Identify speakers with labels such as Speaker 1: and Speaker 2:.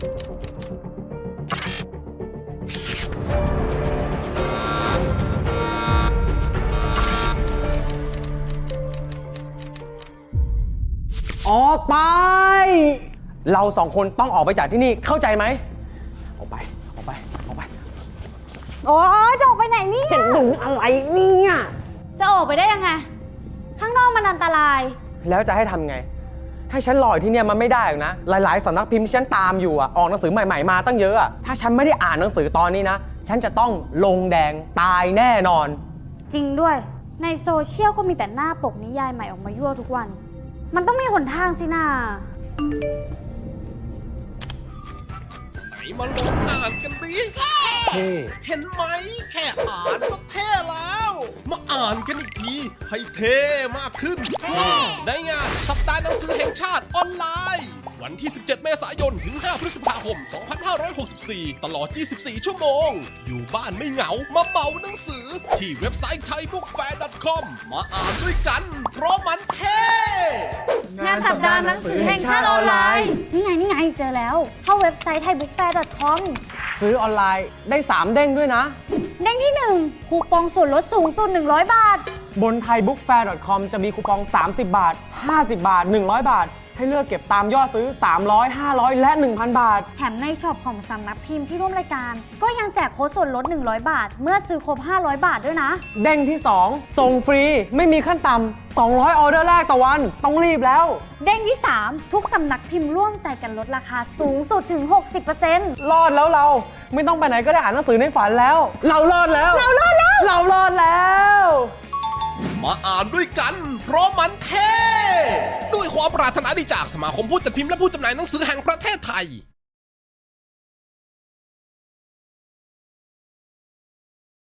Speaker 1: ออกไปเราสองคนต้องออกไปจากที่นี่เข้าใจไหมออกไปออกไปออกไป
Speaker 2: โอ้จะออกไปไหนเนี่ย
Speaker 1: จะดึงอะไรเนี่ย
Speaker 2: จะออกไปได้ยังไงข้างนอกมันอันตราย
Speaker 1: แล้วจะให้ทำไงให้ฉันรออยู่ที่เนี่ยมันไม่ได้หรอกนะหลายๆสำนักพิมพ์ที่ฉันตามอยู่ออกหนังสือใหม่ๆมาตั้งเยอะถ้าฉันไม่ได้อ่านหนังสือตอนนี้นะฉันจะต้องลงแดงตายแน่นอน
Speaker 2: จริงด้วยในโซเชียลก็มีแต่หน้าปกนิยายใหม่ออกมายั่วทุกวันมันต้องมีหนทางสินะ
Speaker 3: ไหนมาลองอ่านกันดิเห็นไหมแค่อ่านก็เท่แล้ว มาอ่านกันอีกทีให้เท่มากขึ้นได้งานสัปดาห์หนังสือแห่งชาติออนไลน์วันที่ 17 เมษายน ถึง 5 พฤษภาคม 2564 ตลอด 24 ชั่วโมง อยู่บ้านไม่เหงา มาเป่าหนังสือที่เว็บไซต์ thaibookfair.com มาอ่านด้วยกัน เพราะมันเท่
Speaker 2: งานสัปดาห์หนังสือแห่งชาติออนไลน์นี่ไงเจอแล้วเข้าเว็บไซต์ thaibookfair.com
Speaker 1: ซื้อออนไลน์ได้3เด้งด้วยนะ
Speaker 2: เด้งที่ 1คูปองส่วนลดสูงสุด100 บาท
Speaker 1: บน thaibookfair.com จะมีคูปอง30 บาท50 บาท100 บาทให้เลือกเก็บตามยอดซื้อ300 500และ 1,000 บาท
Speaker 2: แถมในช็อปของสำนักพิมพ์ที่ร่วมรายการก็ยังแจกโค้ดส่วนลด100 บาทเมื่อซื้อครบ500 บาทด้วยนะ
Speaker 1: เด้งที่2ส่งฟรีไม่มีขั้นต่ำ200ออเดอร์แรกต่อวันต้องรีบแล้ว
Speaker 2: เด้งที่3ทุกสำนักพิมพ์ร่วมใจกันลดราคาสูงสุดถึง 60%
Speaker 1: รอดแล้วเราไม่ต้องไปไหนก็ได้อ่านหนังสือในฝันแล้วเรารอดแล้ว
Speaker 2: เรารอด
Speaker 1: แล้ว
Speaker 3: มาอ่านด้วยกันเพราะมันเท่ด้วยความปรารถนาดีจากสมาคมผู้จัดพิมพ์และผู้จำหน่ายหนังสือแห่งประเทศไทย